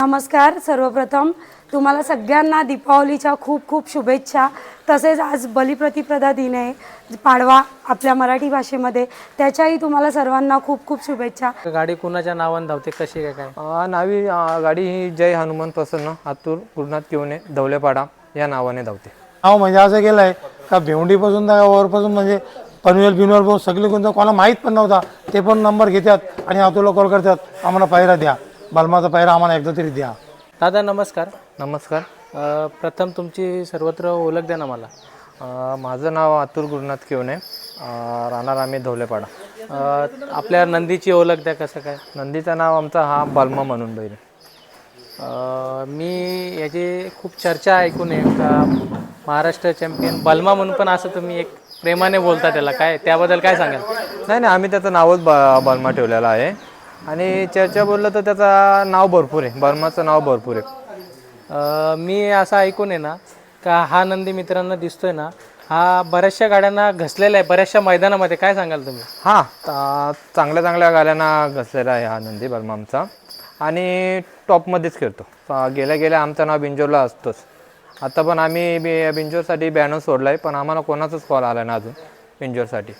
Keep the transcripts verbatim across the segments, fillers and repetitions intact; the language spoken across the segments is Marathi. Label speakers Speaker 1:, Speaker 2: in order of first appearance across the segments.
Speaker 1: नमस्कार. सर्वप्रथम तुम्हाला सगळ्यांना दीपावलीच्या खूप खूप शुभेच्छा. तसेच आज बलिप्रतिपदा दिन आहे, पाडवा आपल्या मराठी भाषेमध्ये, त्याच्याही तुम्हाला सर्वांना खूप खूप शुभेच्छा.
Speaker 2: गाडी कुणाच्या नावाने धावते, कशी काय काय?
Speaker 3: अ, नावी अ, गाडी ही जय हनुमान प्रसन्न आतूर गुरुनाथ किवणे धवलेपाडा या नावाने धावते.
Speaker 4: नाव म्हणजे असं केलं आहे का भेवंडीपासून तर वरपासून म्हणजे पनवेल बिनवेल पासून सगळे कोणतं कोणाला माहीत पण नव्हता, ते पण नंबर घेतात आणि आतूला कॉल करतात, आम्हाला पायरा द्या, बलमाचा पायरा आम्हाला एकदा तरी द्या.
Speaker 2: दादा नमस्कार.
Speaker 3: नमस्कार.
Speaker 2: अ, प्रथम तुमची सर्वत्र ओळख द्या ना मला.
Speaker 3: अ, माझं नाव आतूर गुरुनाथ किवणे, अ, राहणार आम्ही धवलेपाडा.
Speaker 2: अ, आपल्या नंदीची ओळख द्या, कसं काय?
Speaker 3: नंदीचं नाव आमचा हा बलमा म्हणून बैल.
Speaker 2: अ, मी याची खूप चर्चा ऐकून आहे का महाराष्ट्र चॅम्पियन बलमा म्हणून, पण असं तुम्ही एक प्रेमाने बोलता त्याला, काय त्याबद्दल काय सांगाल?
Speaker 3: नाही नाही आम्ही त्याचं नावच ब बलमा ठेवलेलं आहे आणि चर्चा बोललं तर त्याचं नाव भरपूर आहे, बलमाचं नाव भरपूर आहे.
Speaker 2: अ, मी असं ऐकून आहे ना का हा नंदी मित्रांना दिसतोय ना, हा बऱ्याचशा गाड्यांना घसलेला आहे बऱ्याचशा मैदानामध्ये, काय सांगाल तुम्ही?
Speaker 3: हां, ता- चांगल्या चांगल्या गाड्यांना घसलेला आहे हा नंदी बलमा आमचा आणि टॉपमध्येच खेळतो. अ, गेल्या गेल्या आमचं नाव बिंजोरला असतोच. आता पण आम्ही बि बिंजोरसाठी बॅनर सोडला आहे, पण आम्हाला कोणाचाच कॉल आला ना अजून बिंजोरसाठी.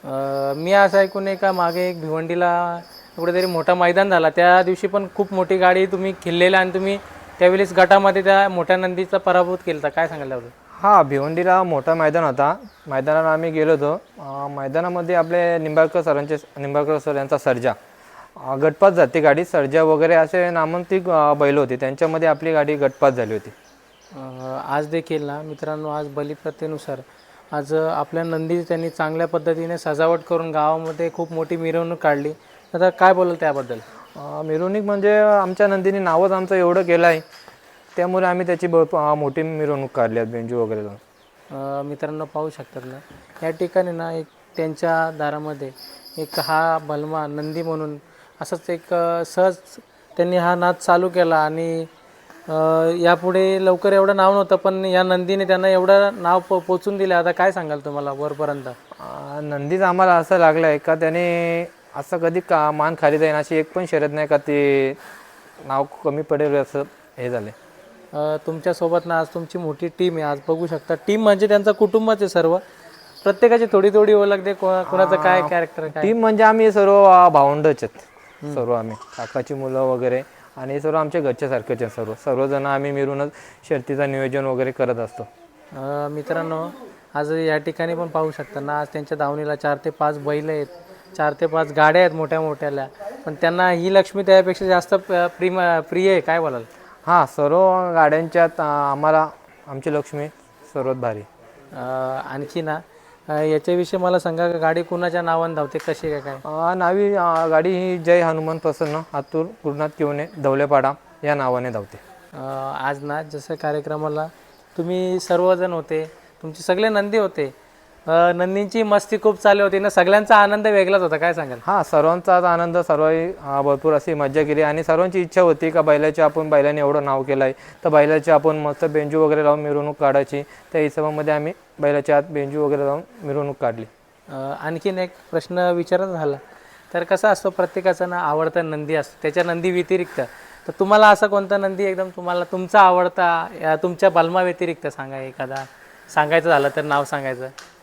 Speaker 2: अ, मी असं ऐकून आहे का मागे एक भिवंडीला कुठेतरी मोठा मैदान झाला, त्या दिवशी पण खूप मोठी गाडी तुम्ही खेळलेला आणि तुम्ही त्यावेळेस गटामध्ये त्या मोठ्या नंदीचा पराभूत केला, काय सांगायला हवं?
Speaker 3: हां, भिवंडीला मोठा मैदान होता, मैदानाला आम्ही गेलो होतो. अ, मैदानामध्ये आपले निंबाळकर सरांचे निंबाळकर सर यांचा सर्जा अ, गटपास जाते गाडी, सर्जा वगैरे असे नामांकित अ, बैल होते, त्यांच्यामध्ये आपली गाडी गटपास झाली होती.
Speaker 2: अ, आज देखील ना मित्रांनो, आज बलिप्रथेनुसार आज आपल्या नंदी त्यांनी चांगल्या पद्धतीने सजावट करून गावामध्ये खूप मोठी मिरवणूक काढली. आता काय बोलाल त्याबद्दल?
Speaker 3: अ, मिरवणूक म्हणजे आमच्या नंदीने नावच आमचं एवढं केलं आहे, त्यामुळे आम्ही त्याची ब अ, मोठी मिरवणूक काढली आहे बेंजू वगैरे जाऊन.
Speaker 2: अ, मित्रांनो पाहू शकतात ना, या ठिकाणी ना एक त्यांच्या दारामध्ये एक हा बलमा नंदी म्हणून असंच एक अ, सहज त्यांनी हा नाद चालू केला आणि अ, यापुढे लवकर एवढं नाव नव्हतं, पण या नंदीने त्यांना एवढं नाव पो पोचून दिलं. आता काय सांगाल तुम्हाला वरपर्यंत?
Speaker 3: अ, नंदीच आम्हाला असं लागलं आहे का त्याने असं कधी का मान खाली जाईन अशी एक पण शर्यत नाही का ते नाव कमी पडेल असं हे झालं.
Speaker 2: अ, तुमच्यासोबत ना आज तुमची मोठी टीम आहे, आज बघू शकता. टीम म्हणजे त्यांचं कुटुंबच आहे सर्व, प्रत्येकाची थोडी थोडी ओळख दे, कोणा कोणाचं काय कॅरेक्टर काय?
Speaker 3: टीम म्हणजे आम्ही सर्व अ, भावंडच आहेत सर्व, आम्ही काकाची मुलं वगैरे आणि सर्व आमच्या घरच्यासारखेच आहेत सर्व सर्वजण आम्ही मिळूनच शर्तीचं नियोजन वगैरे करत असतो.
Speaker 2: अ, मित्रांनो आज या ठिकाणी पण पाहू शकता ना, आज त्यांच्या दावणीला चार ते पाच बैल आहेत, चार ते पाच गाड्या आहेत मोठ्या मोठ्याल्या, पण त्यांना ही लक्ष्मी त्यापेक्षा जास्त प- प्रिम प्रिय आहे, काय बोलाल?
Speaker 3: हां, सर्व गाड्यांच्यात अ, आम्हाला आमची लक्ष्मी सर्वात भारी.
Speaker 2: अ, आणखी ना अ, याच्याविषयी मला सांगा का गाडी कुणाच्या नावाने धावते, कशी काय काय?
Speaker 3: अ, नावी अ, गाडी ही जय हनुमान प्रसन्न आतूर गुरुनाथ किवणे धवलेपाडा या नावाने धावते.
Speaker 2: अ, आज ना जसं कार्यक्रमाला तुम्ही सर्वजण होते, तुमचे सगळे नंदी होते, अ, नंदींची मस्ती खूप चालू होती ना, सगळ्यांचा आनंद वेगळाच होता, काय सांगाल?
Speaker 3: हां, सर्वांचाच आनंद, सर्वही अ, भरपूर अशी मजा केली आणि सर्वांची इच्छा होती का बैलाची आपण बैलाने एवढं नाव केलं आहे तर बैलाची आपण मस्त बेंजू वगैरे लावून मिरवणूक काढायची. त्या हिशोबामध्ये आम्ही बैलाच्या आत बेंजू वगैरे लावून मिरवणूक काढली.
Speaker 2: अ, आणखीन एक प्रश्न विचारत झाला तर कसा असतो, प्रत्येकाचा ना आवडता नंदी असतो, त्याच्या नंदी व्यतिरिक्त तर तुम्हाला असा कोणता नंदी एकदम तुम्हाला तुमचा आवडता या तुमच्या बलमा व्यतिरिक्त सांगा एखादा, सांगायचं झालं तर नाव सांगायचं?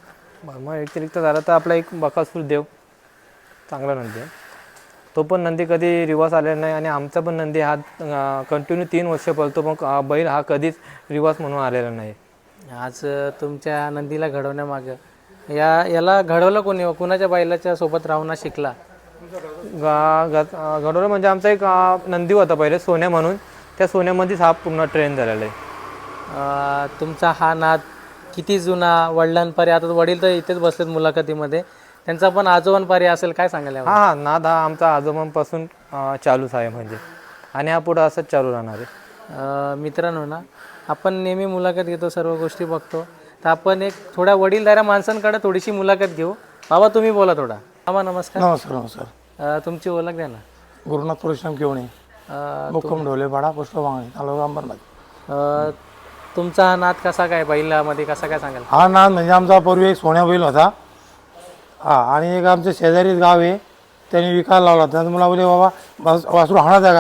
Speaker 3: मग व्यतिरिक्त झालं तर आपला एक बकासूर देव चांगला नंदी आहे, तो पण नंदी कधी रिवर्स आलेला नाही आणि आमचा पण नंदी हा कंटिन्यू तीन वर्ष पळतो, मग अ, बैल हा कधीच रिवर्स म्हणून आलेला नाही.
Speaker 2: आज अ, तुमच्या नंदीला घडवण्यामागं या याला घडवलं कोणी, कुणाच्या बैलाच्या सोबत राहून शिकला?
Speaker 3: गा गा अ, घडवलं म्हणजे आमचा एक अ, नंदी होता पहिले सोन्या म्हणून, त्या सोन्यामध्येच हा पूर्ण ट्रेन झालेला आहे.
Speaker 2: अ, तुमचा हा नाद किती जुना, वडिलांपारी, आता वडील तर इथेच बसलेत मुलाखतीमध्ये, त्यांचा पण आजोबांपारी असेल, काय सांगायला हवं?
Speaker 3: हां हां, नाद हा आमचा आजोबांपासून अ, चालूच आहे म्हणजे, आणि हा पुढं असंच चालू राहणार आहे.
Speaker 2: अ, मित्रांनो ना, आपण नेहमी मुलाखत घेतो, सर्व गोष्टी बघतो, तर आपण एक थोड्या वडीलधाऱ्या माणसांकडे थोडीशी मुलाखत घेऊ. बाबा तुम्ही बोला थोडा. बाबा नमस्कार.
Speaker 4: नमस्कार नमस्कार.
Speaker 2: अ, तुमची ओळख द्या ना.
Speaker 4: गुरुनाथ परशुराम किवणे,
Speaker 2: अ,
Speaker 4: मुक्काम ढोलेपाडा, पुष्पवांगणी, तालुका अंबरनाथ.
Speaker 2: अ, तुमचा हा नाद कसा काय, बैलामध्ये कसा काय सांगाल?
Speaker 4: हा नाद म्हणजे आमचा पूर्वी एक सोन्या बैल होता, हा, आणि एक आमच्या शेजारीच गाव आहे, त्यांनी विकायला लावला. त्यानंतर मला बोलले बाबा वास वासरू हाणायचा का,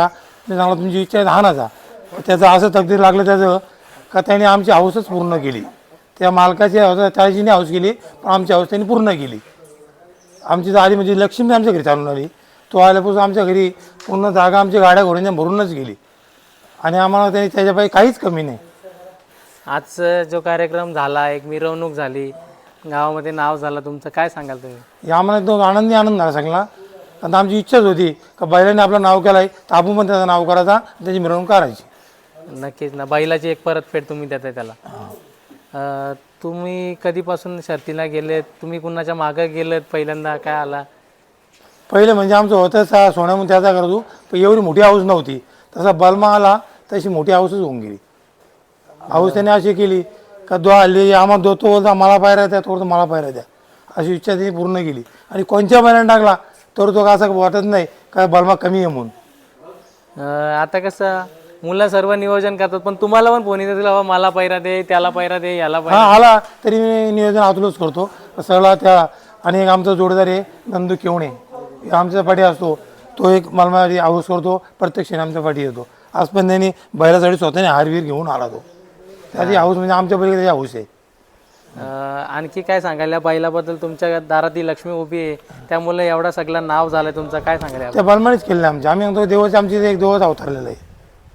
Speaker 4: ते चांगला तुमची इच्छा आहे हाणाचा. त्याचं असं तकदीर लागलं त्याचं का त्याने आमची हौसच पूर्ण केली. त्या मालकाची हौस त्याची हौस केली पण आमची हौस त्यांनी पूर्ण केली. आमची तर आली म्हणजे लक्ष्मी आमच्या घरी चालून आली. तो आल्यापासून आमच्या घरी पूर्ण जागा आमच्या गाड्या घोड्यांच्या भरूनच गेली आणि आम्हाला त्याने त्याच्यापायी काहीच कमी नाही.
Speaker 2: आज जो कार्यक्रम झाला, एक मिरवणूक झाली, गावामध्ये नाव झालं तुमचं, काय सांगाल तुम्ही?
Speaker 4: या आम्हाला एकदम आनंदी आनंद झाला सगळा. आता आमची इच्छाच होती का बैलाने आपलं नाव केलं आहे तर आपण पण त्याचं नाव करायचा, त्याची मिरवणूक करायची.
Speaker 2: नक्कीच ना, बैलाची एक परतफेड तुम्ही देताय त्याला. अं, तुम्ही कधीपासून शर्तीला गेलेत? तुम्ही कुणाच्या मागं गेलेत? पहिल्यांदा काय आला?
Speaker 4: पहिले म्हणजे आमचं होतं सा सोन्यामध्ये त्याचा करतो पण एवढी मोठी हाऊस नव्हती. तसा बलमा आला तशी मोठी हाऊसच होऊन गेली. हाऊस त्याने अशी केली का दो आली आम्हाला दो तो बोलता मला पायऱ्या द्या, तो मला पायऱ्या द्या, अशी इच्छा त्यांनी पूर्ण केली. आणि कोणत्या बैलाने टाकला तर तो असं वाटत नाही का बलमा कमी आहे म्हणून.
Speaker 2: अं, आता कसं मुलं सर्व नियोजन करतात, पण तुम्हाला पण फोन येतात बाबा मला पैरा दे, त्याला पैरा दे, याला पैरा.
Speaker 4: हा आला तरी मी नियोजन आतूनच करतो सगळा त्या. आणि एक आमचा जोडदार आहे नंदू केवणे, आमच्या पाठी असतो. तो एक मला माझी हाऊस करतो, प्रत्यक्षाने आमच्या पाठी येतो. आज पण त्यांनी बैलासाठी स्वतःने हारवीर घेऊन आला. तो त्याची हाऊस म्हणजे आमच्या पलीकडे त्याची हाऊस आहे.
Speaker 2: अं, आणखी काय सांगाल या बैलाबद्दल? तुमच्या दारात ती लक्ष्मी उभी आहे, त्यामुळे एवढा सगळं नाव झालं तुमचं, काय सांगाल याबद्दल?
Speaker 4: त्या बलमानेच केलेलं आमच्या. आम्ही म्हणतो देवाची आमची एक देवच अवतरलेलं आहे.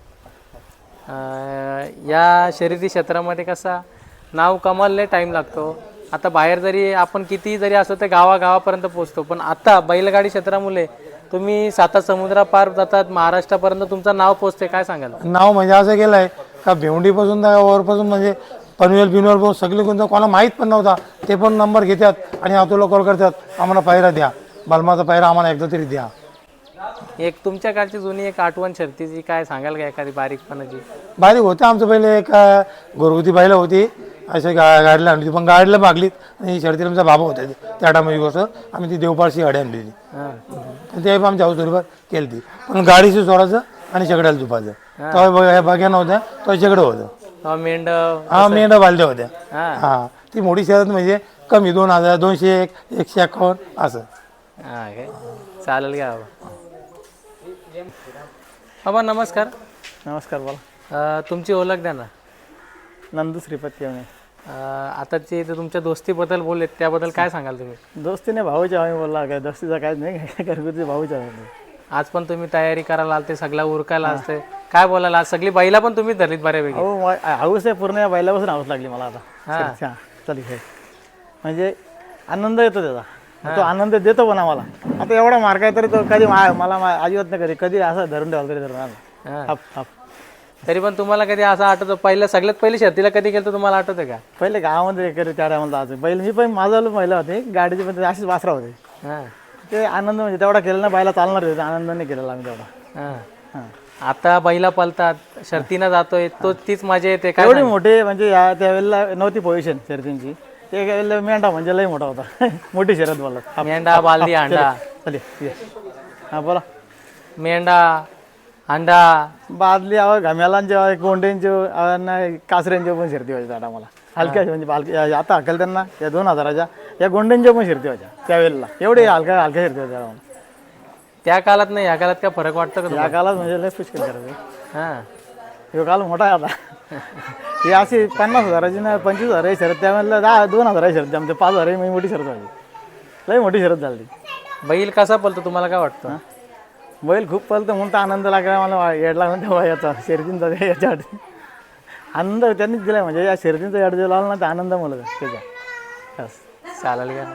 Speaker 2: अं, या शर्यती क्षेत्रामध्ये कसा नाव कमालले टाईम लागतो. आता बाहेर जरी आपण किती जरी असो ते गावागावापर्यंत पोहोचतो, पण आता बैलगाडी क्षेत्रामुळे तुम्ही साता समुद्रापार जातात, महाराष्ट्रापर्यंत तुमचं नाव पोचते, काय सांगाल?
Speaker 4: नाव म्हणजे असं केलं आहे का भेवंडीपासून तर वरपासून म्हणजे पनवेल बिनवेल पासून सगळे कोणतं कोणाला माहीत पण नव्हता ते पण नंबर घेतात आणि तुला कॉल करतात आम्हाला पायरा द्या, बलमाचा पायरा आम्हाला एकदा तरी द्या.
Speaker 2: एक तुमच्या काळची जुनी एक आठवण शर्तीची काय सांगाल का, एखादी बारीकपणाची?
Speaker 4: बारीक होते आमचं पहिले एक अं, घरगुती बैलं होती अशा गा गाडीला आणली होती, पण गाडीला मागलीत आणि शर्तीला आमचा बाबा होता त्या टायमाची गोष्ट. आम्ही ती देवपाळशी गाडी आणली होती
Speaker 2: हां,
Speaker 4: ते आमच्या हाऊसवर केली ती. पण गाडीशी सोडायचं आणि शेगड्याला झुपायचं. तेव्हा बघा बघ्या नव्हत्या तेव्हा शेगडं होतं.
Speaker 2: अं, मेंढ
Speaker 4: हा मेंढ्या बालद्या होत्या.
Speaker 2: हां
Speaker 4: हा ती मोठी शर्यत म्हणजे कमी दोन हजार दोनशे एक एकशे एकावन्न असं.
Speaker 2: हां काय चालेल का बाबा? बाबा नमस्कार.
Speaker 5: नमस्कार, बोला.
Speaker 2: अं, तुमची ओळख द्या ना.
Speaker 5: नंदू श्रीपत केवणे.
Speaker 2: अं, आता जे ते तुमच्या दोस्तीबद्दल बोलले त्याबद्दल काय सांगाल तुम्ही?
Speaker 5: दोस्तीने भाऊचे आम्ही बोलला काय, दोस्तीचा काहीच नाही, काय घरगुती भाऊचे आम्ही.
Speaker 2: आज पण तुम्ही तयारी करायला आलते, सगळा उरकायला असते, काय बोलायला? आज सगळी बैला पण तुम्ही धरलीत बऱ्यापैकी.
Speaker 5: हो, मा- हाऊस आहे पूर्ण, या बैलापासून हाऊस लागली मला आता.
Speaker 2: हां.
Speaker 5: हां, चालेल हे. म्हणजे आनंद येतो त्याचा, तो आनंद देतो पण आम्हाला. आता एवढा मार्ग आहे तरी तो कधी मा- मला मा- अजिबात नाही कधी कधी असं धरून ठेवाल तरी धरून आला.
Speaker 2: हां.
Speaker 5: हाप हाप.
Speaker 2: तरी पण तुम्हाला कधी असं आठवतं पहिलं सगळ्यात पहिली शर्तीला कधी गेलं तुम्हाला आठवतं का?
Speaker 5: पहिले गावामध्ये कधी त्या टायमाला आज बैल मी पण माझा महिला होते गाडीची, पण अशीच वासरा होते.
Speaker 2: हां
Speaker 5: ते आनंद म्हणजे तेवढा केला ना, बायला चालणार होते, आनंदाने केलेला आम्ही तेवढा.
Speaker 2: हां.
Speaker 5: हां.
Speaker 2: आता बैला पलतात, शर्तीनं जातोय, तो तीच मजा येते काय?
Speaker 5: एवढी मोठी म्हणजे या त्यावेळेला नव्हती पोझिशन शर्यतींची. ते वेळेला मेंढा म्हणजे लई मोठा होता. मोठी शर्यत बोलत.
Speaker 2: मेंढा, बालदी, अंडा.
Speaker 5: चालेल ये. हां बोला.
Speaker 2: मेंढा, अंडा.
Speaker 5: बादली आव घाम्यालांचे गोंड्यांचे नाही कासऱ्यांचे पण शर्ती व्हायच्या आता मला हलक्या म्हणजे हलक्या. आता हकल त्यांना या दोन हजाराच्या या गोंड्यांच्या पण शर्ती व्हायच्या त्यावेळेला. एवढे हलक्या हलक्या शर्ती व्हायच्या मला.
Speaker 2: त्या काळात नाही या काळात काय फरक वाटतं का
Speaker 5: या काळात म्हणजे लय पुष्कळ करायचं.
Speaker 2: हां
Speaker 5: ह्यो काल मोठा आहे आता. ही अशी पन्नास हजाराची ना पंचवीस हजार शरत, त्यावेळेला दहा दोन हजार शरत आमच्या पाच हजार मी मोठी शरत व्हायची. लई मोठी शरत झाली.
Speaker 2: बैल कसा पलतो तुम्हाला काय वाटतं?
Speaker 5: बैल खूप पळतं म्हणून तर आनंद लागला मला. येड लागला तेव्हा याचा शर्यतींचा याच्या आधी आनंद त्यांनीच दिला. म्हणजे या शर्यतींचा याड दिला ना तर आनंद मला त्याचा. बस.
Speaker 2: चालेल का?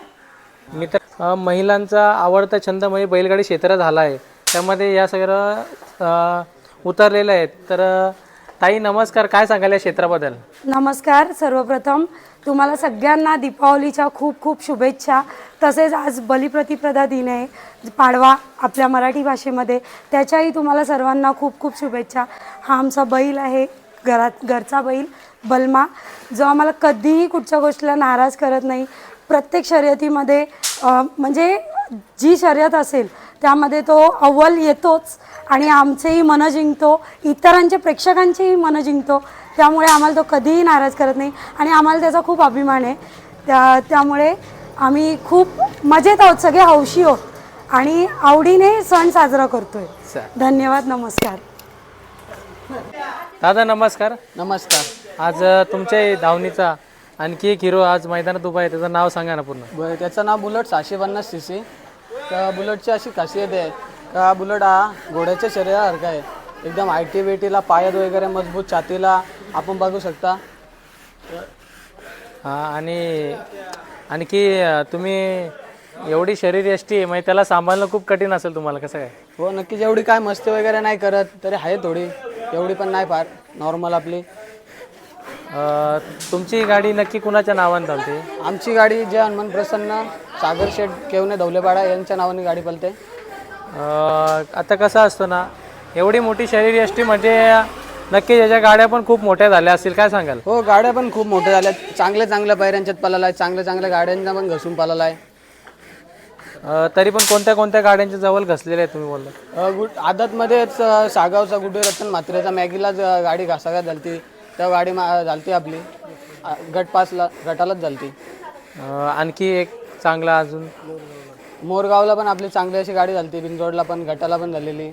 Speaker 2: मी तर अं, महिलांचा आवडता छंद म्हणजे बैलगाडी क्षेत्र झाला आहे, त्यामध्ये या सगळं अं, उतरलेलं आहे. तर अं, ताई नमस्कार, काय सांगाल या क्षेत्राबद्दल?
Speaker 1: नमस्कार. सर्वप्रथम तुम्हाला सगळ्यांना दीपावलीच्या खूप खूप शुभेच्छा. तसेच आज बलिप्रतिपदा दिन आहे, पाडवा आपल्या मराठी भाषेमध्ये, त्याच्याही तुम्हाला सर्वांना खूप खूप शुभेच्छा. हा आमचा बैल आहे, घरात घरचा बैल बलमा, जो आम्हाला कधीही कुठच्या गोष्टीला नाराज करत नाही. प्रत्येक शर्यतीमध्ये अ, म्हणजे जी शर्यत असेल त्यामध्ये तो अव्वल येतोच आणि आमचेही मनं जिंकतो, इतरांचे प्रेक्षकांचेही मनं जिंकतो. त्यामुळे आम्हाला तो कधीही नाराज करत नाही आणि आम्हाला त्याचा खूप अभिमान आहे. त्या त्यामुळे आम्ही खूप मजेत आहोत, सगळे हौशी आहोत. आणि आवडीने सण साजरा करतोय.
Speaker 2: चालेल.
Speaker 1: धन्यवाद. नमस्कार.
Speaker 2: दादा नमस्कार.
Speaker 6: नमस्कार.
Speaker 2: आज अ, तुमच्या धावणीचा आणखी एक हिरो आज मैदानात उभा आहे, त्याचं नाव सांगा ना पूर्ण.
Speaker 6: ब- त्याचं नाव बुलेट सहाशे पन्नास सी सी. त्या बुलेटची अशी खासियत आहे का बुलेट हा घोड्याच्या शरीरासारखा आहे. एकदम आयटी वेटीला पायात वगैरे मजबूत, छातीला आपण बघू शकता.
Speaker 2: हा, आणि आणखी अ, तुम्ही एवढी शरीरयष्टी आहे, म्हणजे त्याला सांभाळणं खूप कठीण असेल तुम्हाला, कसं काय?
Speaker 6: हो नक्कीच. एवढी काय मस्ती वगैरे नाही करत, तरी आहे थोडी, एवढी पण नाही फार, नॉर्मल आपली.
Speaker 2: अ, तुमची गाडी नक्की कुणाच्या नावाने चालते?
Speaker 6: आमची गाडी जे हनुमान प्रसन्न सागर शेठ केवणे धवलेपाडा यांच्या नावाने गाडी पळते.
Speaker 2: अ, आता कसं असतं ना, एवढी मोठी शरीरयष्टी म्हणजे नक्की याच्या गाड्या पण खूप मोठ्या झाल्या असतील, काय सांगाल?
Speaker 6: हो गाड्या पण खूप मोठ्या झाल्या, चांगल्या चांगल्या पायऱ्यांच्यात पळाला आहे, चांगल्या चांगल्या गाड्यांना पण घसून पळाला आहे.
Speaker 2: अ, तरी पण कोणत्या कोणत्या गाड्यांच्या जवळ घसलेल्या आहेत तुम्ही बोलला?
Speaker 6: अ, गुड आदतमध्येच अ, सागावचा गुड्डे रतन म्हात्रेचा मॅगीलाच अ, गाडी घासाघात झालती. त्या गाडी मा झालती आपली अ, गट पासला गटालाच झालती.
Speaker 2: अ, आणखी एक चांगला अजून
Speaker 6: मोरगावला पण आपली चांगली अशी गाडी झालती, बिनजोडला पण गटाला पण झालेली.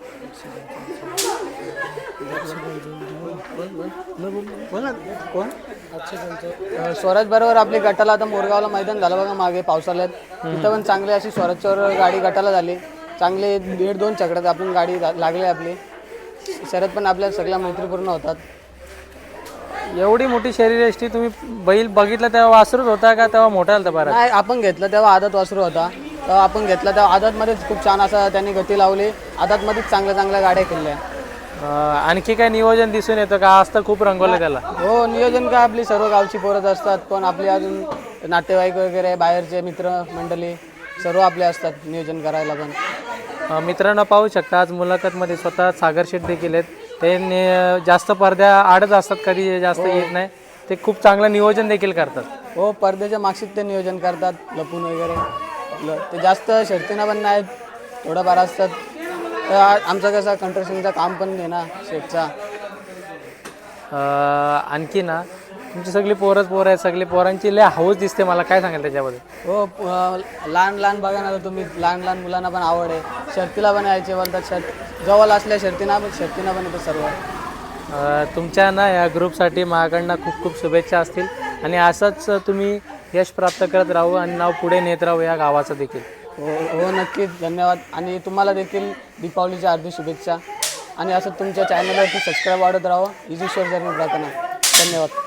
Speaker 6: अ, स्वराज बरोबर आपली गटाला आता मोरगावला मैदान झालं बघा मागे पावसाळ्यात, तिथं पण चांगली अशी स्वराजच्यावर गाडी गटाला झाली. चांगले दीड दोन चकड्यात आपण गाडी ला- लागली आपली. शरद पण आपल्या सगळ्या मैत्रीपूर्ण होतात.
Speaker 2: एवढी मोठी शरीरयष्टी तुम्ही बैल बघितला तेव्हा वासरूच होता का तेव्हा मोठा झाला बरं?
Speaker 6: नाही आपण घेतलं तेव्हा आदत वासरू होता, तेव्हा आपण घेतला तेव्हा आदतमध्येच खूप छान असं त्यांनी गती लावली. आदतमध्येच चांगल्या चांगल्या गाड्या केल्या.
Speaker 2: अ, आणखी काय नियोजन दिसून येतं का? आज तर खूप रंगवलं त्याला.
Speaker 6: हो नियोजन काय आपली सर्व गावची पोरत असतात, पण आपली अजून नातेवाईक वगैरे बाहेरचे मित्र मंडळी सर्व आपले असतात नियोजन करायला पण.
Speaker 2: अ, मित्रांनो पाहू शकता आज मुलाखतमध्ये स्वतः सागर शेठ देखील आहेत. ते ने- जास्त पडद्या आडच असतात, कधी जास्त येत नाही. ते खूप चांगलं नियोजन देखील करतात.
Speaker 6: हो पडद्याच्या मागशीत ते नियोजन करतात लपून वगैरे. ल- ते जास्त शर्तीनं पण नाहीत, थोडंफार असतात. तर आ- आमचं कसं कंट्रक्शनचं काम पण आहे ना शेटचा.
Speaker 2: अ, आणखी ना तुमची सगळी पोरच पोरं आहेत, सगळी पोरांची लय हौस दिसते मला, काय सांगाल त्याच्याबद्दल?
Speaker 6: हो प- अं, लहान लहान बघा ना तुम्ही, लहान लहान मुलांना पण आवड आहे, शर्तीला पण यायचे बोलतात. शर्ट जवळ असल्या शर्तीना पण शर्तीना पण येतात सर्व.
Speaker 2: अ, तुमच्या ना या ग्रुपसाठी माझ्याकडनं खूप खूप शुभेच्छा असतील आणि असंच तुम्ही यश प्राप्त करत राहू आणि नाव पुढे नेत राहू या गावाचं देखील.
Speaker 6: हो हो नक्कीच धन्यवाद. आणि तुम्हाला देखील दीपावलीच्या हार्दिक शुभेच्छा. आणि असं तुमच्या चॅनलवरती सबस्क्राईब वाढत राहावं हीच ईश्वर जर्नी प्रार्थना. धन्यवाद.